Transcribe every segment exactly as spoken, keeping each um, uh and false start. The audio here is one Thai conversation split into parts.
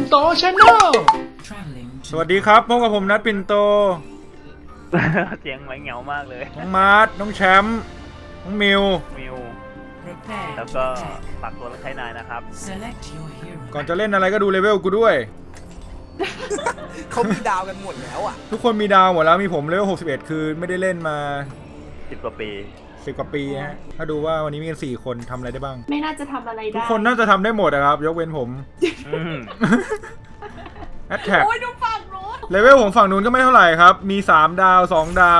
โตชาแนลสวัสดีครับพบกับผมนัทปินโตเสียงเหมือนเหงามากเลยน้องมาร์ทน้องแชมป์น้องมิวมิวแล้วก็ฝากตัวและใช้นายนะครับก่อนจะเล่นอะไรก็ดูเลเวลกูด้วยเขามีดาวกันหมดแล้วอ่ะทุกคนมีดาวหมดแล้วมีผมเลเวลหกสิบเอ็ดคือไม่ได้เล่นมาสิบกว่าปีสิบกว่าปีฮะถ้าดูว่าวันนี้มีกันสี่คนทำอะไรได้บ้างไม่น่าจะทำอะไรได้ทุกคนน่าจะทำได้หมดนะครับยกเว้นผมแอตแทกโอ้ยดูฝั่งนู้นเลเวลของฝั่งนู้นก็ไม่เท่าไหร่ครับมีสามดาวสองดาว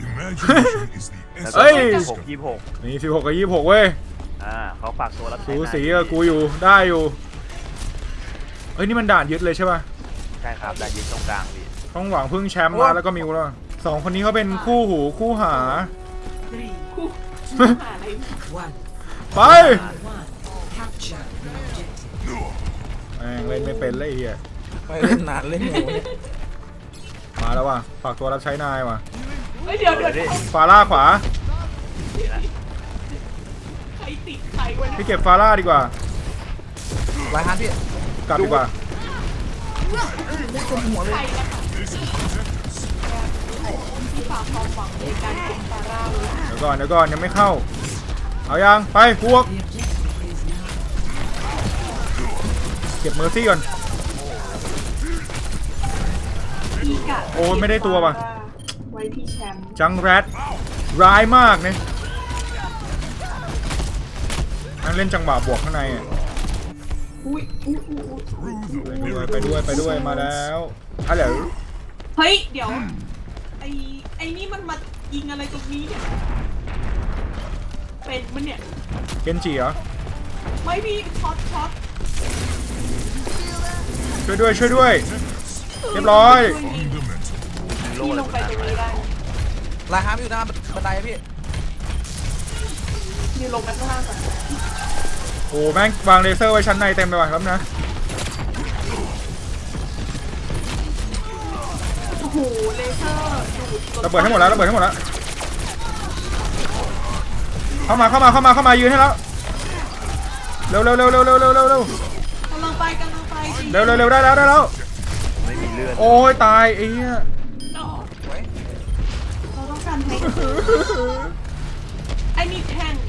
เฮ้ยหกยี่หกมีสิบหกกับยี่สิบหกเว้ยอ่าเขาฝากตัวรับใช้สูสีกับกูอยู่ได้อยู่เอ้ยนี่มันด่านยึดเลยใช่ป่ะใช่ครับด่านยึดตรงกลางพี่ต้องหวังพึ่งแชมป์มาแล้วก็มิวแล้วสองคนนี้เขาเป็นคู่หูคู่หาคู่หาอะไรไปแม่งเล่นไม่เป็นเลยเฮียไปเล่นนานเล่นอยู่มาแล้วว่ะฝากตัวรับใช้นายว่ะเดี๋ยวเดี๋ยวฟาร่าขวาใครติดใครวะพี่เก็บฟาร่าดีกว่าไล่ฮันพี่กลับดีกว่ามุดจนหัวเลยที่ฝากความหวังในการเก็บฟาร่าเลยเดี๋ยวก่อนเดี๋ยวก่อนยังไม่เข้าเอายังไปพวกเก็บเมอร์ซี่ก่อนโอ้ไม่ได้ตัวป่ะไว้ที่แชมป์จังแรดร้ายมากเนี่ยนั่งเล่นจังหวะบวกข้างในอ่ะอุ้ยอุ้ยอุ้ยไปด้วยไปด้วยมาแล้วฮัลโหลเฮ้ยเดี๋ยวไอ้ไอ้นี่มันมายิงอะไรตรงนี้เนี่ยเป็นมันเนี่ยเกนจิเหรอไม่พี่ช็อตช็อตช่วยด้วยช่วยด้วยเรียบร้อยพี่ลงไปตรงนี้ได้ไล่ฮันอยู่หน้าบันไดพี่ยืนลงไปข้างล่างก่อนโอ้แม่งวางเลเซอร์ไว้ชั้นในเต็มไปหมดครับนะโอ้โหเลเซอร์ดูดระเบิดให้หมดแล้วระเบิดให้หมดแล้วเข้ามาเข้ามาเข้ามาเข้ามายืนให้แล้วเร็วเร็วเร็วเร็วเร็วเร็วเร็วเร็วกำลังไปกำลังไปเร็วเร็วเร็วได้แล้วได้แล้วไม่มีเลือดโอ้ยตายไอ้เหี้ยเราต้องการแทงไอ้นี่แทง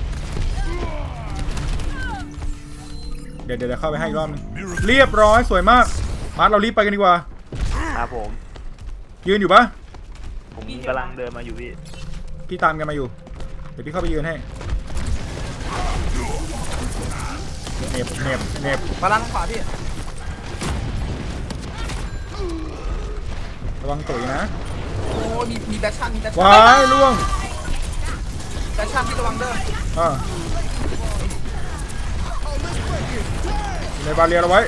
เดี๋ยวเดี๋ยวเข้าไปให้อีกรอบนึงเรียบร้อยสวยมากมาร์ทเรารีบไปกันดีกว่าครับผมยืนอยู่ปะผมกำลังเดินมาอยู่พี่พี่ตามกันมาอยู่เดี๋ยวพี่เข้าไปยืนให้เน็บเน็บเน็บมาล้างขวาพี่ระวังตุ๋ยนะโอ้มีมีแบชชั่นมีแบชชั่นว้ายล่วงแบชชั่นพี่ระวังเด้ออ่าในบาเรียเราไว้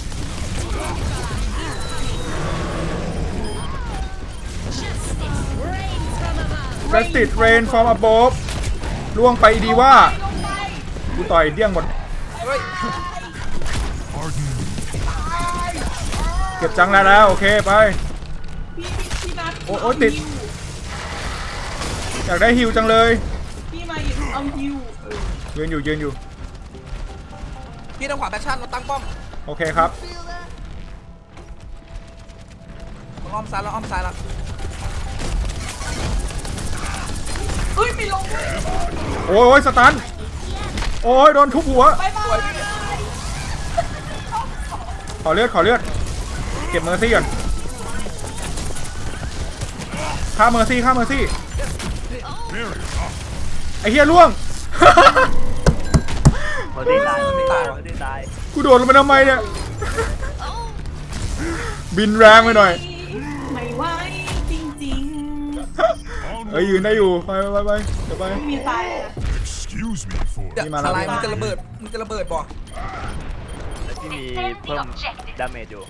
เรสติดเรนฟอร์มอับโบฟล่วงไปดีว่ากูต่อยเดี้ยงหมดเก็บจังแล้วแล้วโอเคไปโอ้โอ้ติดอยากได้ฮิวจังเลยพี่มาอยู่เอาฮิวยืนอยู่ยืนอยู่พี่ทางขวาแบชชั่นเราตั้งป้อมโอเคครับอ้อมซ้ายแล้วอ้อมซ้ายแล้วเฮ้ยไม่ลงโอ้ยสตันโอ้ยโดนทุบหัวขอเลือดขอเลือดเก็บเมอร์ซี่ก่อนฆ่าเมอร์ซี่ฆ่าเมอร์ซี่ไอ้เหี้ยล่วงเมอร์ซี่ตายเมอร์ซี่ตายเมอร์ซี่ตายกูโดดลงไปทำไมเนี่ยบินแรงไปหน่อยไม่ไหวจริงๆเอ้ยยืนได้อยู่ไปไปไปเดี๋ยวไปมีตายนี่มาแล้วมันจะระเบิดมันจะระเบิดบ่แล้วที่มีเพิ่มดาเมจอยู่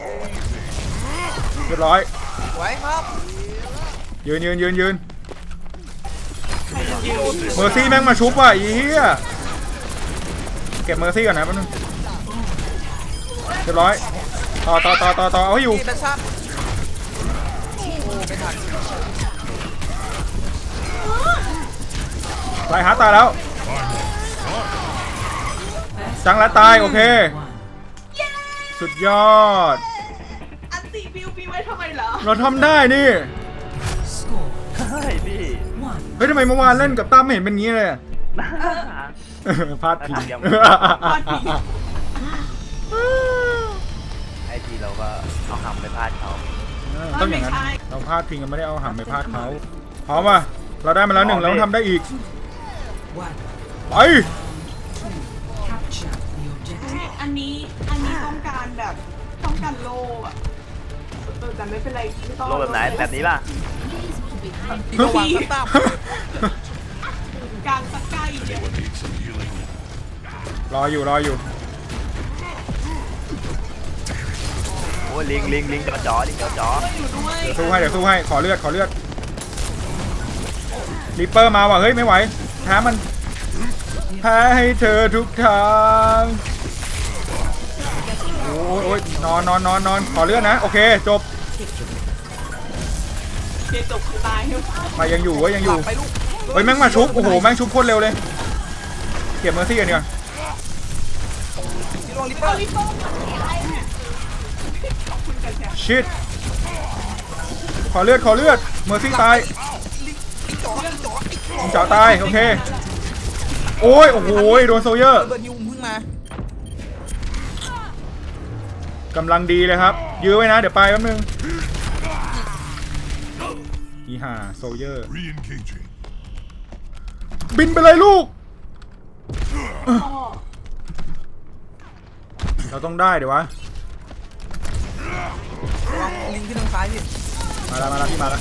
เรียบร้อยไว้ครับยืนยืนยืนยืนเมอร์ซี่แม่งมาชุบว่ะอีเหี้ยเก็บเมอร์ซี่ก่อนนะแป๊บนึงเรียบร้อยต่อต่อต่อต่อต่อเอาให้อยู่ตายหาตายแล้วจังแล้วตายโอเคสุดยอดอันตีบิวมีไว้ทำไมเหรอเราทำได้นี่ใช่พี่เฮ้ยทำไมเมื่อวานเล่นกับตั้มไม่เห็นเป็นงี้เลยอะ พลาดพิงพลาดพิงไอทีเราก็เอาหำไปพลาดเขาต้องอย่างนั้นเราพลาดพิงกันไม่ได้เอาหำไปพลาดเขาพร้อมป่ะเราได้มาแล้วหนึ่งเราต้องทำได้อีกไปอันนี้อันนี้ต้องการแบบต้องการโลอะเออแต่ไม่เป็นไรไม่ต้องโลแบบไหนแบบนี้ป่ะอีกระหว่างตั้มตั้มกลางตะไคร้เนี่ยรออยู่รออยู่โอ้ยลิงลิงลิงจ่อจ่อลิงจ่อจ่ออยู่ด้วยเดี๋ยวสู้ให้เดี๋ยวสู้ให้ขอเลือดขอเลือดริปเปอร์มาว่ะเฮ้ยไม่ไหวแพ้มันแพ้ให้เธอทุกทางโอ้ยโอ้ยนอนนอนนอนนอนขอเลือดนะโอเคจบเดี๋ยวจบคือตายครับมายังอยู่เว้ยยังอหลัยู่บไปลูกเฮ้ยแม่งมาชุบโอ้โหแม่งชุบโคตรเร็วเลยเก็บเมอร์ซี่กันดีกว่าที่ลงลิปเปอเอาร์ลิปโป้มาอะไรเนี่ยขอบคุณกันแชร์ชิดขอเลือดขอเลือดเมอร์ซี่ตายลิงจ่อลิงจ่อยิงเจาะตายโอเคโอ้ยโอ้โหโดนโซเยอร์เบิร์นยูเพิ่งมากำลังดีเลยครับยื้อไว้นะเดี๋ยวไปแป๊บนึงอีห่าโซเยอร์ Re-engaging. บินไปเลยลูกพ่อเราต้องได้เดี๋ยววะระวังลิงที่ทางซ้ายพี่มาแล้วมาแล้วพี่มาแล้ว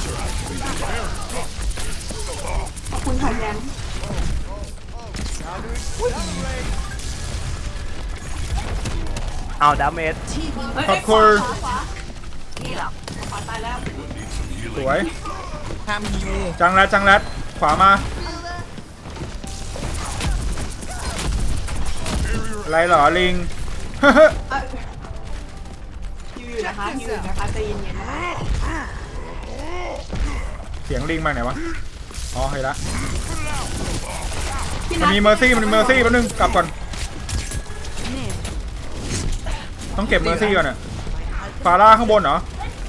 ขอบคุณค่ะแยงเอาดาเมจเฮ้ยขอบคุณขวาขวานี่หรอขวาตายแล้วสวยห้ามฮิวจังแรดจังแรดขวามาอะไรเหรอลิงเอ้ยฮิวอยู่นะคะฮิวอยู่นะคะใจเย็นๆนะคะเสียงลิงมาไหนวะอ๋อเห็นละพี่มันนัทมีเมอร์ซี่มันมีเมอร์ซี่แป๊บนึงกลับก่อนต้องเก็บเมอร์ซี่ก่อนอะฟาร่าข้างบนเหรอ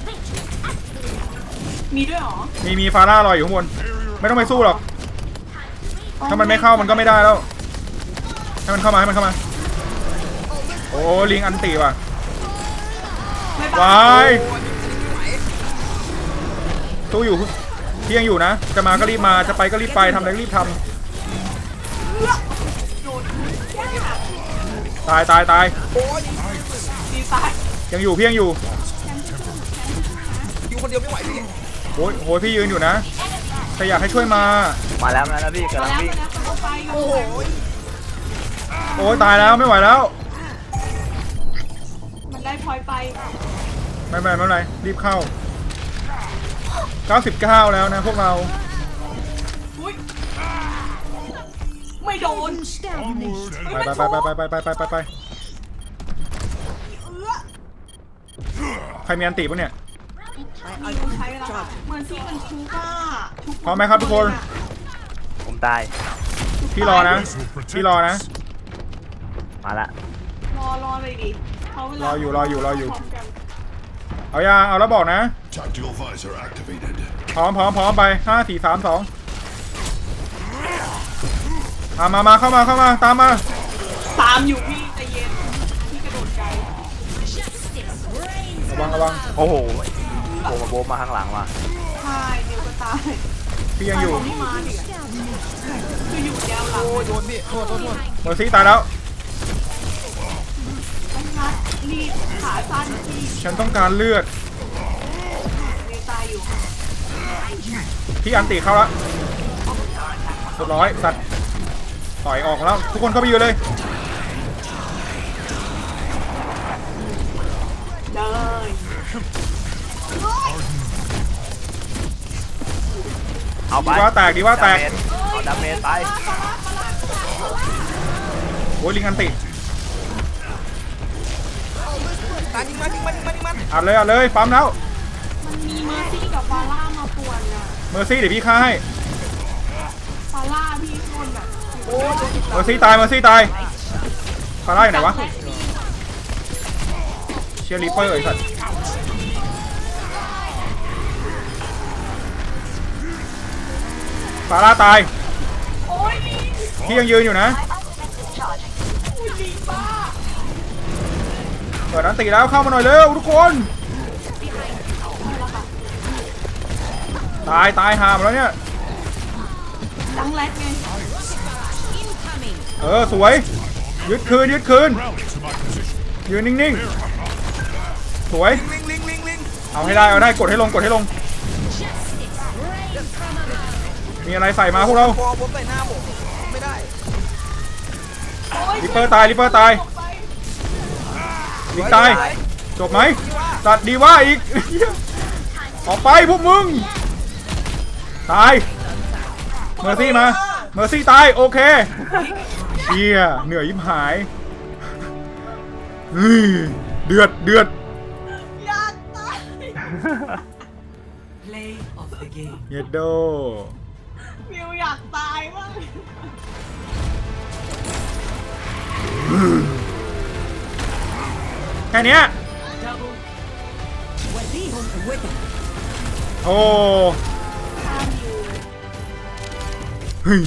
มีด้วยเหรอมีมีฟาร่ารออยู่ข้างบนไม่ต้องไปสู้หรอกถ้ามันไม่เข้ามันก็ไม่ได้แล้วให้มันเข้ามาให้มันเข้ามาโอ้ลิงอันตีว่ะไม่วบ้าายสู้อยู่พี่ยังอยู่นะจะมาก็รีบมาจะไปก็รีบไปทำอะไรก็รีบทำตายตายตายดีตายยังอยู่พี่ยังอยู่ฮิวคนเดียวไม่ไหวพี่โอ้ยโหพี่ยืนอยู่นะแต่อยากให้ช่วยมามาแล้วมาแล้วพี่กำมาลังแล้ววิ่งมาแล้วเอาไปโอ้โหโอ้ยตายแล้วไม่ไหวแล้วมันได้พลอยไปไม่เป็นไรไม่เป็นไรรีบเข้าเก้าสิบเก้าแล้วนะพวกเราอุ้ยไม่โดนไปไปไปไปไปไปไปไปไปเอื้อใครมีอันติปะเนี่ยมีคนใช้เวลาเหมือนซีมันชุกอะชุกพร้อมไหมครับทุกคนผมตายพี่รอนะพี่รอนะมาละรอรอเลยดิเขาเวลารออยู่รออยู่รออยู่พมกันเอายังเอาแล้วบอกนะ Tactical visor activated. พร้อมพร้อมพร้อมไปห้าสี่สามสองมามามาเข้ามาเข้ามาตามมาตามอยู่พี่ใจเย็นพี่กระโดดไกลระวังระวังโอ้โหโบมาโบมาข้างหลังว่ะใช่เดี๋ยวก็ตายพี่ยังอยู่ตาไม่มาดิคืออยู่แนวหลังโอ้ยโดนพี่โทษโทษโทษเมอร์ซี่ตายแล้วต้องนัดรีบขาสั้นที่ฉันต้องการเลือดเนตายอยู่พี่อันติเข้าแล้วเรียบร้อยสัตว์ต่อยออกแล้วทุกคนเข้าไปอยู่เลยเลยเอาไปดีว่าแตกดีว่าแตกดเมจเอาดาเมจไปโอ้ยลิงอันติตายยิงมันยิงมันยิงมันยิงมันอัดเลยอัดเลยปั๊มแล้วมันมีเมอร์ซี่กับฟาร่ามาป่วนอะเมอร์ซี่เดี๋ยวพี่ฆ่าให้ฟาร่าพี่โดนแบบโอ้ยโดนเมอร์ซี่ตายเมอร์ซี่ตายฟาร่าอยู่ไหนวะแรกนี่ชียร์ริปเปอร์ไอ้สัตว์ฟาร่าตายโอ้ยลิงพี่ยังยืนอยู่นะอุ้ยลิงบ้าเปิดอันตีแล้วเข้ามาหน่อยเร็วทุกคน ตายตายหามแล้วเนี่ยดังแรดไงเออสวยยึดคืนยึดคืนยืนนิ่งๆสวยลิงลิงลิงลิงเอาให้ได้เอาได้กดให้ลงกดให้ลงมีอะไรใส่มาพวกเราพอผมใส่หน้าผมไม่ได้โอ้ยลิปเปอร์ตายลิปเปอร์ตายออกไปลิงตายจบไหมตัดดีว่าอีก ออกไปพวกมึงตายเมอร์ซี่มาเมอร์ซี่ตายโอเคเฮียเหนื่อยยิบหายเฮ้ยเดือดเดือดอยากตาย Play of the game. เยดโดมิวอยากตายมากแค่เนี้ย Double. Wadihum Wither. โอ้ฆ่ามิวเฮ้ย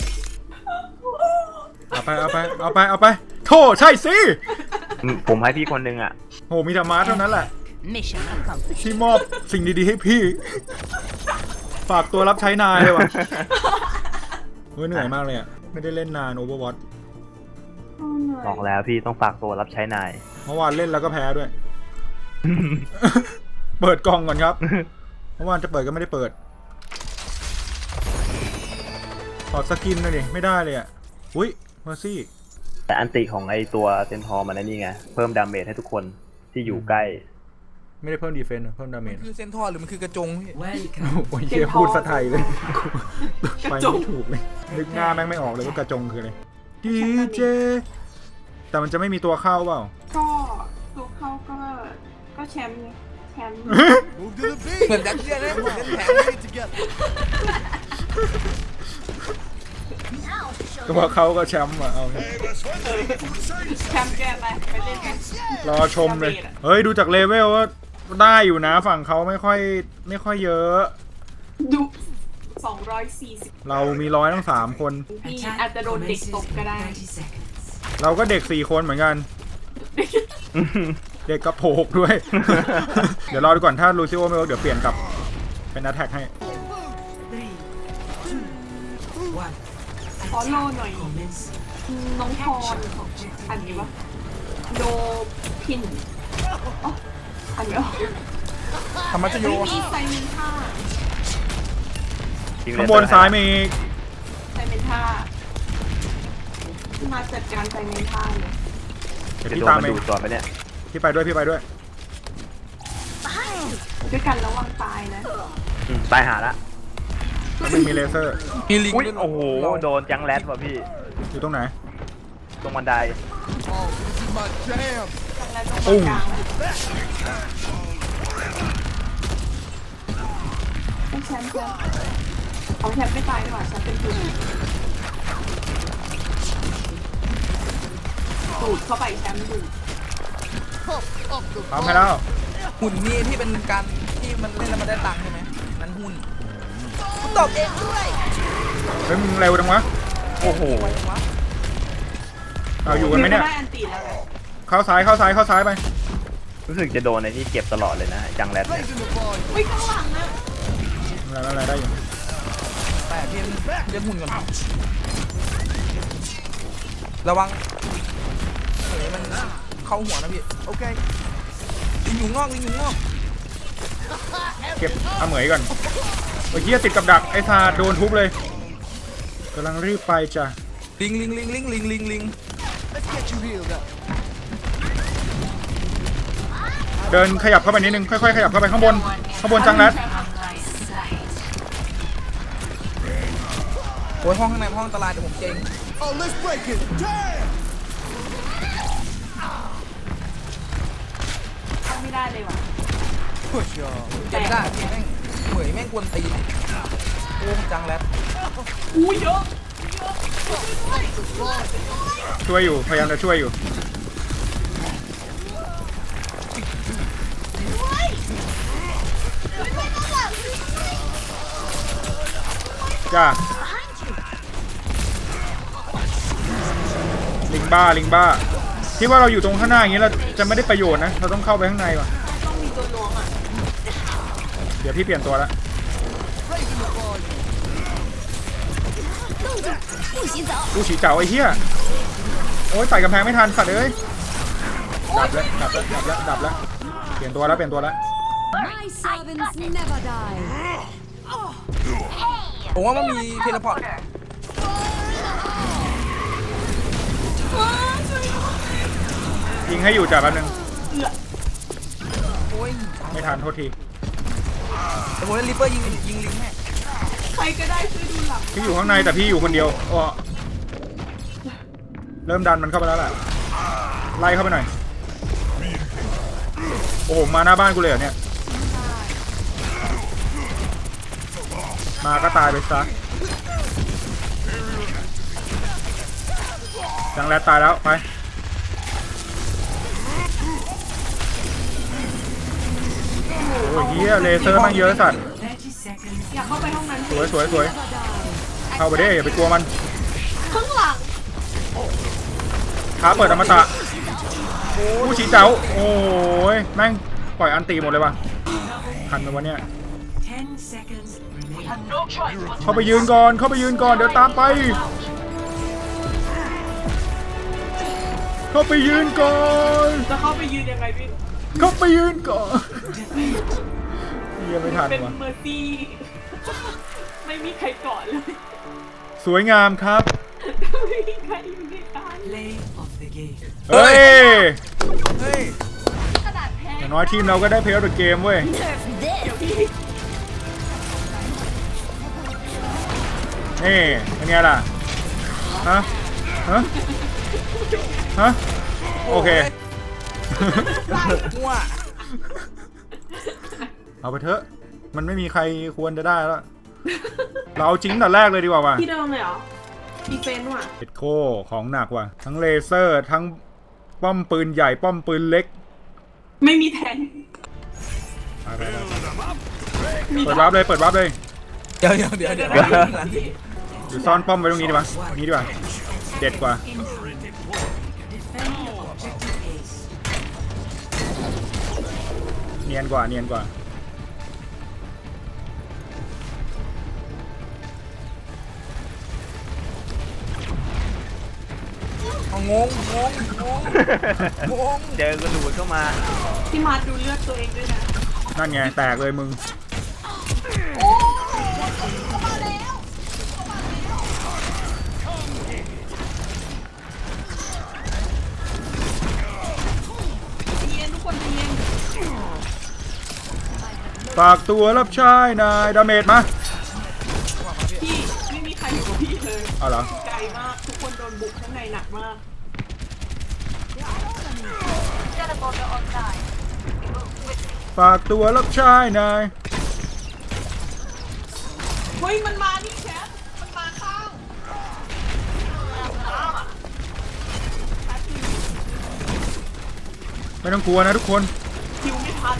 เอาไปเอาไปเอาไปเอาไปโธ่ใช่สิผมให้พี่คนนึงอ่ะโหมีธรรมะเท่านั้นแหละ Mission accomplished. ที่มอบสิ่งดีๆให้พี่ ฝากตัวรับใช้นายเลยว่ะเฮ้ยเหนื่อยมากเลยอ่ะ ไม่ได้เล่นนาน Overwatch บอกแล้วพี่ต้องฝากตัวรับใช้นายเมื่อวานเล่นแล้วก็แพ้ด้วย เปิดกล่องก่อนครับ เมื่อวานจะเปิดก็ไม่ได้เปิดถอดสกินเลยดิไม่ได้เลยอ่ะ อุ้ยเมอร์ซี่แต่อันติของไอตัวเซนทอร์มันนั่นนี่ไง เพิ่มดาเมจให้ทุกคนที่อยู่ใกล้ไม่ได้เพิ่มดีเฟนส์เพิ่มดาเมจคือเซนทอร์หรือมันคือกระจงพี่ Welcome. โอ้ยเฮียพูดสะไทยเลย ไปไม่ถูกเลย นึกหน้าแม่งไม่ออกเลยว่ากระจงคืออะไรดีเจ แต่มันจะไม่มีตัวเข้าเปล่าก็ตัวเขาก็ก็แชมป์ไงแชมป์ Move to the beat. เหมือนดักเชียร์เลยเหมือนเล่นแผน Get it together. ตัวเขาก็แชมป์อ่ะเอา Hey, let's win. แชมป์แกไปไปเล่นกันรอชมเลย เฮ้ย ดูจากเลเวลว่าได้อยู่นะฝั่งเขาไม่ค่อยไม่ค่อยเยอะดูสองร้อยสี่สิบเรามีร้อยทั้งสามคนพี่อาจจะโดนเด็กตบก็ได้ thirty seconds. เราก็เด็กสี่คนเหมือนกัน เด็กกระโปกด้วย เดี๋ยวรอดูก่อนถ้าลูซิโอไม่เวิร์กเดี๋ยวเปลี่ยนกลับเป็นนัทแท็กให้ Three, two, one. ขอโลหน่อย Commence. น้องพรของอันนี้วะโดพินอ๋ออันนี้อ๋อธรรมชโยไม่มีไซเมนท่าข้างบนซ้ายมีอีกไซเมนท่ามาจัดการไซเมนท่าเลยเดี๋ยวจะพี่โดนตามมันเองดูดตัวไปเนี่ยพี่ไปด้วยพี่ไปด้วยด้วยกันระวังตายนะอืมตายหาละแล้วมันมีเลเซอร์มีลิงอุ้ยด้วยโอ้โห โดนจังแรดว่ะพี่อยู่ตรงไหนตรงบันได Oh, this is my jam. แล้วตรงกลางต้องแชมป์ครับเอาแชมป์ไม่ตายดีกว่าแชมป์เป็นทุนดูดเข้าไปแชมป์ดูดทำให้แล้วหุ่นนี่ที่เป็นการที่มันเล่นแล้วมันได้ตังค์ใช่ไหมนั่นหุ้นคุณตอบเองด้วยเฮ้ยมึงเร็วจังวะโอ้โหไว้วะเอาอยู่กันไหมเนี่ยได้อันตีแล้วไงเข้าซ้ายเข้าซ้ายเข้าซ้ายไปรู้สึกจะโดนในที่เก็บตลอดเลยนะจังแรดเนี่ย Raising the volume. อุ้ยข้างหลังนะอะไรอะไรได้อยู่แต่พี่เล่นหุ้นก่อนระวังเฮ้ยมันเข้าหัวนะพี่ Okay. ลิงอยู่งอกลิงอยู่งอกเก็บเอาเหมยก่อนเมื่อกี้ติดกับดักไอ้ซาโดนทุบเลยกำลังรีบไปจ้ะลิงลิงลิงลิงลิงลิงลิง Let's get you healed up. เดินขยับเข้าไปนิดนึงค่อยๆขยับเข้าไปข้างบนข้างบนจังแรดโอ้ยห้องข้างในห้องอันตรายเดี๋ยวผมเจง Oh, let's break it. Damn. เข้าไม่ได้เลยว่ะ Push y'all. เจงไม่ได้แม่งเหมยแม่งกวนตีนโอ้จังแล้วอู้เยอะช่วยอยู่พยายามจะช่วยอยู่จ้าลิงบ้าลิงบ้าที่ว่าเราอยู่ตรงข้างหน้าอย่างนี้เราจะไม่ได้ประโยชน์นะเราต้องเข้าไปข้างในว่ะต้องมีตัวล้วงอ่ะเดี๋ยวพี่เปลี่ยนตัวละ กูฉีเจ๋าไอ้เหี้ยโอ้ยใส่กำแพงไม่ทันสัตว์เอ้ยดับแล้วดับแล้วดับแล้วดับแล้วเปลี่ยนตัวแล้วเปลี่ยนตัวแล้ว My servants never die. ผมว่ามันมีเทเลพอร์ตยิงให้อยู่จ้ะแป๊บนึงโอ้ยไม่ทันโทษทีแต่ผมเล่นริปเปอร์ยิงยิงลิงแม่ใครก็ได้ช่วยดูหลังพี่อยู่ข้างในแต่พี่อยู่คนเดียวอ้อเริ่มดันมันเข้าไปแล้วแหละไล่เข้าไปหน่อยโอ้โหมาหน้าบ้านกูเลยเหรอเนี่ยมาก็ตายไปซะจังแรดตายแล้วไปโอ้ยเฮียเลเซอร์มันเยอะสัตว์ thirty seconds. อยากเข้าไปห้องนั้นสวยสวยสวยเข้าไปได้อย่าไปกลัวมันข้างหลังท้าเปิดอมตะผู้ชี้เจ้าโอ้ยแม่งปล่อยอันตีหมดเลยว่ะทันไหมวะเนี่ย Ten seconds remaining. เข้าไปยืนก่อนเข้าไปยืนก่อนเดี๋ยวตามไป เข้าไปยืนก่อนจะเข้าไปยืนยังไงพี่เข้าไปยืนก่อนยังไม่ทันเป็นวะเมอร์ซี่ ไม่มีใครเกาะเลยสวยงามครับไม่มีใครอยู่ในการ Play of the game. เฮ้ยเฮ้ยกระดาษแพ้อย่างน้อยทีมเราก็ได้เพลย์ออฟเกมเว้ยเดี๋ยวพี่นี่เป็นไงล่ะฮะฮะฮะโอเคมั่วเอาไปเถอะมันไม่มีใครควรจะได้แล้วเราเอาจริงแต่แรกเลยดีกว่าว่ะที่เดิมเลยเหรอดีเฟนต์ว่ะเอ็ดโคของหนักว่ะทั้งเลเซอร์ทั้งป้อมปืนใหญ่ป้อมปืนเล็กไม่มีแทงไปไปไปมีเปิดวาร์ปเลยเปิดวาร์ปเลยเดี๋ยวเดี๋ยวเดี๋ยวเดี๋ยวหรือซ่อนป้อมไว้ตรงนี้ดีป่ะนี้ดีป่ะเด็ดกว่า Defend objective ace. เนียนกว่าเนียนกว่าเอางงงงงงงงเจอกระดูดเข้ามาพี่มาร์ทดูเลือดตัวเองด้วยนะนั่นไงแตกเลยมึงเย็นทุกคนเย็นฝากตัวรับใช้นายดาเมจมาพี่ไม่มีใครอยู่กับพี่เลยเอาเหรอไกลมากทุกคนโดนบุกข้างในหนักมากฝากตัวรับใช้นายเฮ้ยมันมานี่แชทมันมาข้างไม่ต้องกลัวนะทุกคนคิวไม่ทัน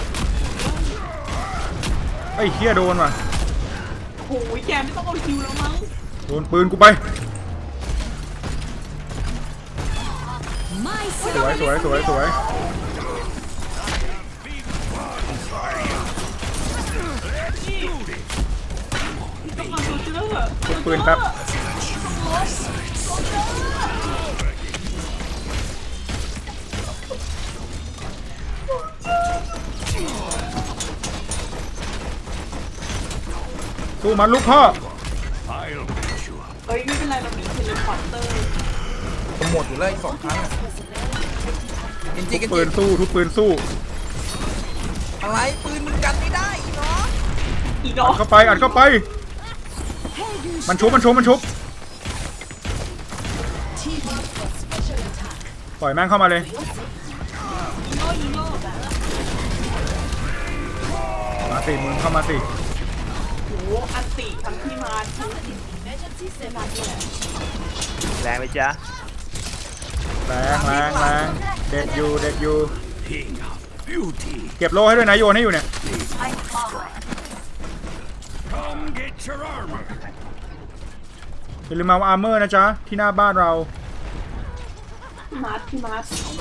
ไอ้เฮียโดนว่ะโอ้ยแกไม่ต้องเอาคิวแล้วมั้งโดนปืนกูไป My สวยสวยสวยสวยพี่ต้องเอาโซเจอร์กดปืนแป๊บสู้มันลูกพ่อเอ้ยไม่เป็นไรเรามีเทเลพอร์เตอร์ผมหมดอยู่เลยอีกสองครั้งอะจริงจริงปืนสู้ทุกปืนสู้อะไรปืนมึงกันไม่ได้อีเนาะอีดออักดเข้าไปอัดเข้าไป มันชุบมันชุบมันชุบปล่อยแม่งเข้ามาเลยยิงโง่ยิงโง่มาสิมึงเข้ามาสิโหอันติทั้งพี่มาร์ททั้งเซนาเนี่ยแรงไหมจ๊ะแรงแรงแรงเด็ดอยู่เด็ดอยู่เก็บโล่ให้ด้วยนะโยนให้อยู่เนี่ย Come get your armor. อย่าลืมมาอาร์เมอร์นะจ๊ะ ที่หน้าบ้านเราพี่มาร์ทพี่มาร์ท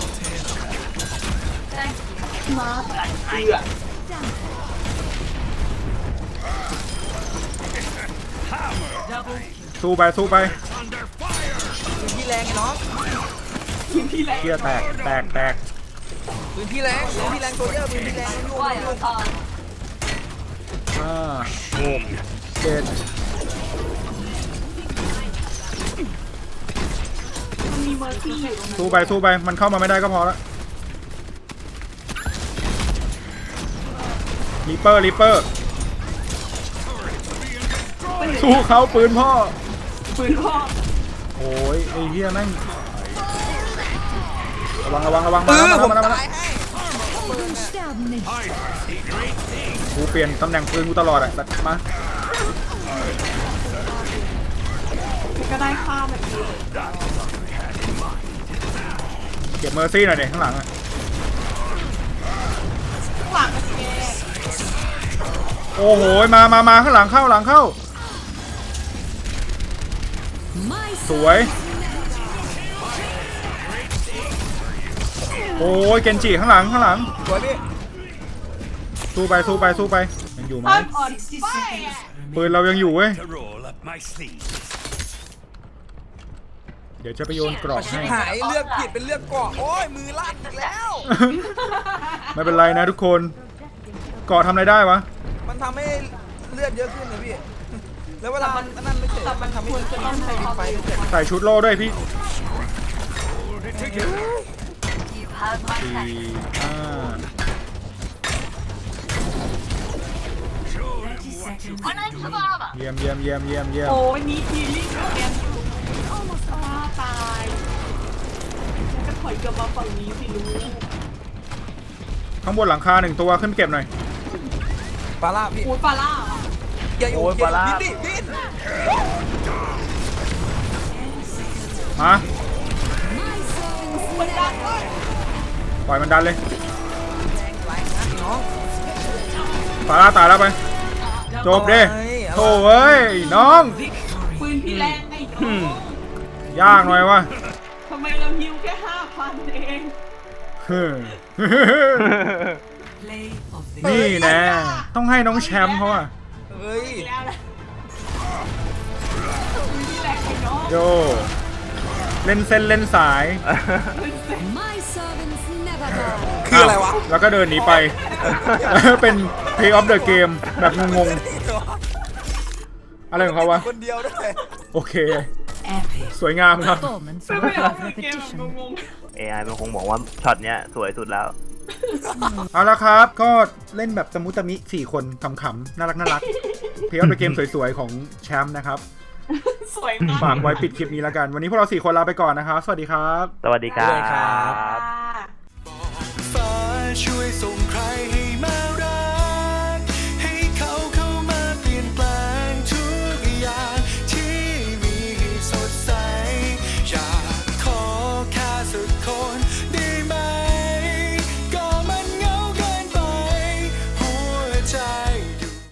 พี่มาร์ทเอือสู้ไปสู้ไปปืนพี่แรงไงน้องทีมพี่แรงเกียร์แตกแตกแตกปืนพี่แรงปืนพี่แรงตัวเยอะปืนพี่แรงยุ่งยุ่งห้าหกเจ็ดมันมีเมอร์ซี่อยู่ตรงนั้นสู้ไปสู้ไปมันเข้ามาไม่ได้ก็พอละริปเปอร์ริปเปอร์สู้เขาปืนพ่อปืนพ่อโอ้ยไอ้เหี้ยแม่งระวังระวังระวังเอมาอแล้วผมมาแล้วมาแล้วตายให้ปืนน่ะกูเปลี่ยนตำแหน่งปืนกูตลอดอะแบบมาก็ได้ค่าแบบนี้เก็บเมอร์ซี่หน่อยเนี่ยข้างหลังอะหลังแกโอ้โหมามามาข้างหลังเข้าหลังเข้าสวยโอ้ยเกนจิข้างหลังข้างหลังสวยพี่สู้ไปสู้ไปสู้ไปยังอยู่ไหมอ่อนอ่อน sixty ไป seconds ปืนเรายังอยู่เว้ย to roll up my sleeves. เดี๋ยวจะไปโยนกรอบให้หายเลือกผิดเป็นเลือกเกาะโอ้ยมือลั่นอีกแล้วไม่เป็นไรนะทุกคนเกาะทำอะไรได้วะมันทำให้เลือดเยอะขึ้นนะพี่ แล้วเวลามันนั่นไม่เฉยแต่มันทำให้ควรจะต้องใช้ปิควาดมไฟไม่เสร็จใส่ชุดโล่ด้วยพี่ Hold it together. สี่ห้า thirty seconds เยี่ยมเยี่ยมเยี่ยมเยี่ยมเยี่ยมโอ้ยนี่ทีลิ่งแกนอยู่อ้อมาซาตายแล้วก็ถอยกลับมาฝั่งนี้สิลูกข้างบนหลังคาหนึ่งตัวขึ้นไปเก็บหน่อยปลาล่าพี่โอ้ยปลาล่าเหรออย่าอยู่โอ้ยอย่าปลาล่าบินดิบินมามันดังเลยปล่อยมันดันเลยไหลนะพี่น้องฟาร่าตายแล้วไปจบดิโถ่เอ้ยน้องปืนพี่แรงไอ้น้องยากหน่อยวะทำไมเราฮิวแค่ห้าพันเองเฮ้ย play of the นี่แน่ต้องให้น้องแชมป์เขาอะเฮ้ยแล้วแหละปืนพี่แรงไอ้น้องโยเล่นเส้นเล่นสาย My servants never die. คืออะไรวะแล้วก็เดินหนีไป เป็น Play of the Game แบบงงๆ อะไรของเขาวะคนเดียวด้วยโอเค epic สวยงามครับ Performance ไม่ worthy เอา of เกมแบบ repetition. งงเอ ไอ มันคงบอกว่าช็อตเนี้ยสวยสุดแล้วเอาละครับ ก็เล่นแบบตะมุตะมิสี่คนขำๆ น่ารักน่ารัก Play of the Game สวยๆ ของแชมป์นะครับๆสวยมากฝากไว้ปิดคลิปนี้แล้วกัน วันนี้พวกเราสี่คนลาไปก่อนนะครับ สวัสดีครับสวัสดีครัสวัสดีครับบ